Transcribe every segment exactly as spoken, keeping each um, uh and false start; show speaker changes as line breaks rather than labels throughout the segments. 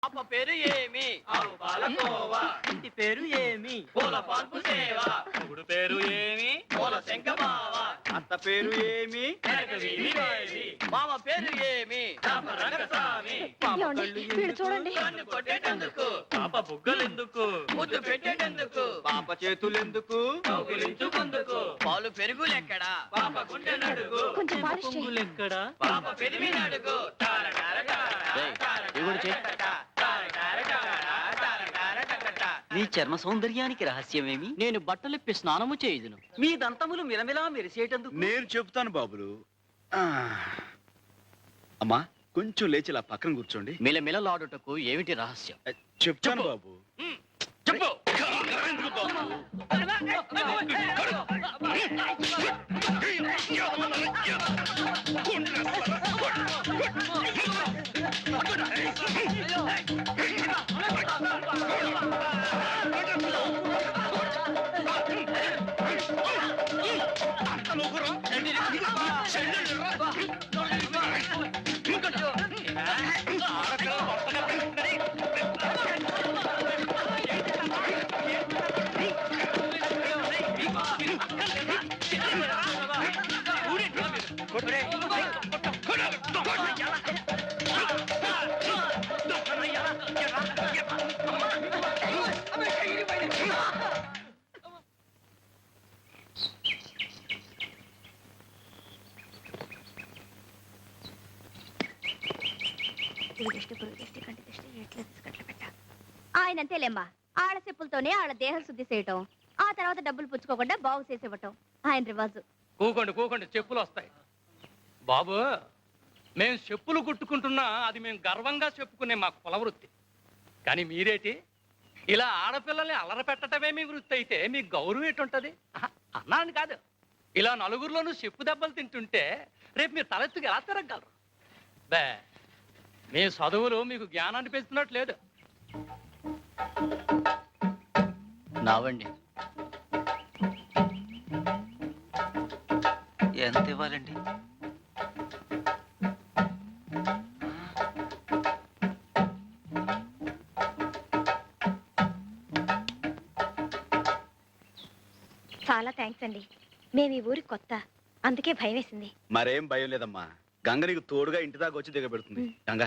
పాప పేరు ఏమి?
ఆవు పాలకోవా.
ఇంటి పేరు ఏమి?
పూల పాల్పు సేవ.
మొగుడు పేరు ఏమి?
పూల శంఖమావ.
అత్త పేరు ఏమి?
వెనక వీధి వాయిది.
మామ పేరు ఏమి?
రామ రంగస్వామి.
పాప
ఏమండి?
కళ్ళు
వీడు
ఎందుకు?
చూడండి.
కన్ను కొట్టేటందుకు.
పాప బుగ్గలెందుకు?
ముద్దు పెట్టేటందుకు.
పాప చేతులెందుకు?
కౌగిలించుకుందుకు.
పాలు పెరుగులెక్కడా?
పాప గుండె నడుగు.
కొంచెం పాలిష్ చేయి.
పొంగులెక్కడా?
పాప పెరిమి నడుగు. తార తార తార.
ఏయ్,
తార
ఇవి కూడా చెయ్.
తార తార తార తార తార తార.
నీ చర్మ సౌందర్యానికి రహస్యమేమి?
నేను బట్టలిప్పి స్నానము చేయుదును.
మీ దంతములు మిలమిలా మెరిసేటందుకు
నేను చెప్తాను బాబులు. ఆ. అమ్మా కొంచెం లేచి ఇలా పక్కన కూర్చోండి.
మిలమిలలాడుటకు ఏమిటి రహస్యం?
చెప్తాను బాబు.
చెప్పు.
ఆయన అంతేలేమ్మా, ఆడ చెప్పులతోనే ఆడ దేహ శుద్ధి చేయటం, ఆ తర్వాత డబ్బులు పుచ్చుకోకుండా బాగు చేసేవటం ఆయన రివాజు.
కూకోండి కూకోండి, చెప్పులు వస్తాయి. బాబు, మేము చెప్పులు కుట్టుకుంటున్నా అది మేము గర్వంగా చెప్పుకునే మా కుల వృత్తి. కానీ మీరేటి ఇలా ఆడపిల్లల్ని అలర పెట్టడమే మీ వృత్తి అయితే మీ గౌరవం ఎటుంటది? ఆహా, అన్నాను కాదు, ఇలా నలుగురిలోనూ చెప్పు దెబ్బలు తింటుంటే రేపు మీరు తలెత్తుకు ఎలా తిరగలరు? బే, మీ చదువులు మీకు జ్ఞానాన్ని పెంచుతున్నట్లేదు.
నావండి.
ఎంత ఇవ్వాలండి?
చాలా థ్యాంక్స్ అండి. మేము ఈ ఊరికి కొత్త, అందుకే భయం వేసింది.
మరేం భయం లేదమ్మా. గంగ నీకు తోడుగా ఇంటి దాకా వచ్చి దిగబెడుతుంది. గంగ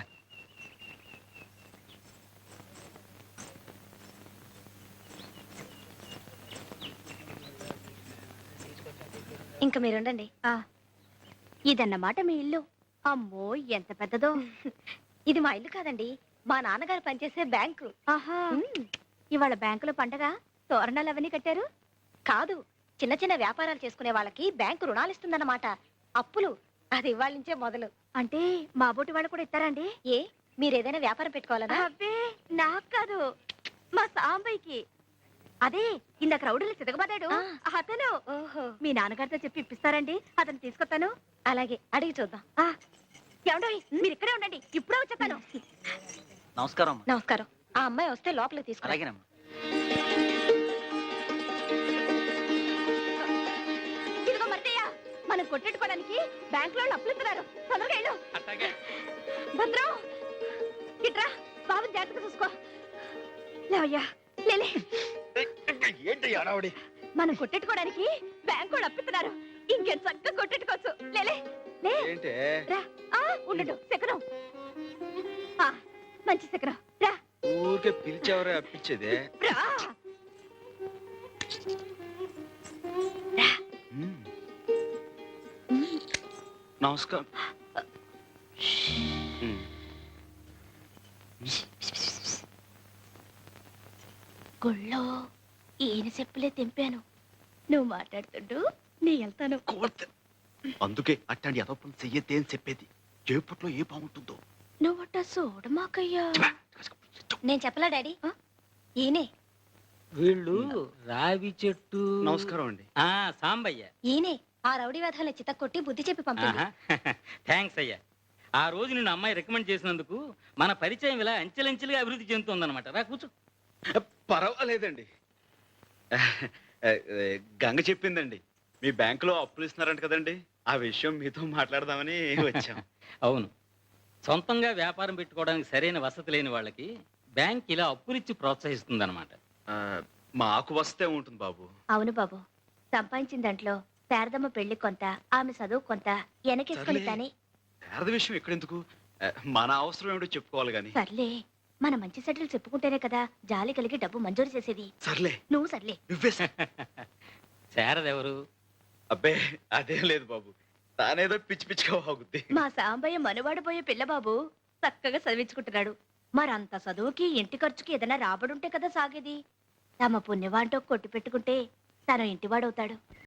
ఇంకా మీరుండండి. ఇదన్నమాట మీ ఇల్లు. అమ్మో ఎంత పెద్దదో. ఇది మా ఇల్లు కాదండి, మా నాన్నగారు పనిచేసే బ్యాంకు. ఆహా, ఇవాళ బ్యాంకులో పండగ తోరణాలు అవన్నీ కట్టారు? కాదు, చిన్న చిన్న వ్యాపారాలు చేసుకునే వాళ్ళకి బ్యాంకు రుణాలు ఇస్తుందన్నమాట. అప్పులు అది ఇవాళ నుంచే మొదలు. అంటే మా బోటి వాళ్ళు కూడా ఇస్తారండి? ఏ, మీరు ఏదైనా వ్యాపారం పెట్టుకోవాలనా? అబ్బే, నాకు కాదు, మా సాంబయ్యకి. అదే ఇందాక రౌడీలు చితకబడ్డాడు అతను. ఓహో, మీ నాన్నగారితో చెప్పి ఇప్పిస్తారండి? అతను తీసుకొస్తాను. అలాగే, అడిగి చూద్దాం. ఏమండో, మీరు ఇక్కడే ఉండండి, ఇప్పుడే వచ్చేస్తాను.
నమస్కారం అమ్మా.
నమస్కారం. ఆ అమ్మాయి వస్తే లోపలికి తీసుకురా.
అలాగేనమ్మా.
ఇదిగో మర్దయ్య, మనం కొట్టెట్టుకోవడానికి బ్యాంక్ లో అప్పులు ఇస్తున్నారు. తొందరగా వెళ్ళు.
అట్లాగే.
భద్రం, ఇట్రా, బాబుని జాగ్రత్తగా చూసుకో. లేవయ్యా, లేలే.
ఏంటి అడావుడి?
మనం కొట్టెట్టుకోవడానికి బ్యాంక్ వాళ్ళు అప్పిస్తున్నారు. ఇంకెంత చక్కగా కొట్టెట్టుకోవచ్చు. లేలే, లే.
ఏంటి?
రా. ఆ, ఉండు, శకనం. ఆ, మంచి శకనం. రా
ఊరికే పిలిచేవరే అప్పించేదే.
రా రా.
ఉమ్. నమస్కారం. ఉమ్.
గుళ్ళో ఈయన చెప్పులే తెంపాను. నువ్వు మాట్లాడుతుండు, నీ వెళ్తాను.
అందుకే అట్టండి అదొప్పం చెయ్యద్దే అని చెప్పేది. చేపట్లో ఏ బాగుంటుందో.
నువ్వట చూడమాకయ్యా. నేను చెప్పలా డాడీ. ఈయనే
వీళ్ళు రావి చెట్టు.
నమస్కారం అండి.
ఆ సాంబయ్య.
ఈయనే ఆ రౌడీ వేధాలను చిత్త కొట్టి బుద్ధి చెప్పి పంపింది.
థ్యాంక్స్ అయ్యా. ఆ రోజు నిన్ను అమ్మాయి రికమెండ్ చేసినందుకు మన పరిచయం ఇలా అంచెలంచెలుగా అభివృద్ధి చెందుతుందన్నమాట. రా కూర్చో.
పర్వాలేదండి. గంగ చెప్పిందండి, మీ బ్యాంకులో అప్పులు ఇస్తున్నారంట కదండి. ఆ విషయం మీతో మాట్లాడదామని వచ్చాం.
అవును, సొంతంగా వ్యాపారం పెట్టుకోవడానికి సరైన వసతి లేని వాళ్ళకి బ్యాంక్ ఇలా అప్పులిచ్చి ప్రోత్సహిస్తుందన్నమాట.
ఆ, మాకు వస్తే ఉంటుంది బాబు.
అవును బాబు, సంపాదించిన దాంట్లో శారదమ్మ పెళ్లి కొంత, ఆమె చదువు కొంత వెనకేసుకొని
సర్లే.
తానే.
శారద విషయం ఎక్కడెందుకు? ఆ, మన అవసరం ఏమిటో చెప్పుకోవాలి గాని.
సర్లే, మన మంచి సెటిల్ చెప్పుకుంటేనే కదా జాలి కలిగి డబ్బు మంజూరు చేసేది.
సర్లే
నువ్వు సర్లే.
నువ్వే స-
శారదెవరు?
అబ్బే అదేం లేదు బాబు, తానేదో పిచ్చి పిచ్చిగా బాగుద్ది.
మా సాంబయ్య మనవాడబోయే పిల్లబాబు చక్కగా చదివించుకుంటున్నాడు. మరంత చదువుకి ఇంటి ఖర్చుకి ఏదైనా రాబడుంటే కదా సాగేది. తమ పుణ్యవాంటో కొట్టి పెట్టుకుంటే తన ఇంటివాడవుతాడు.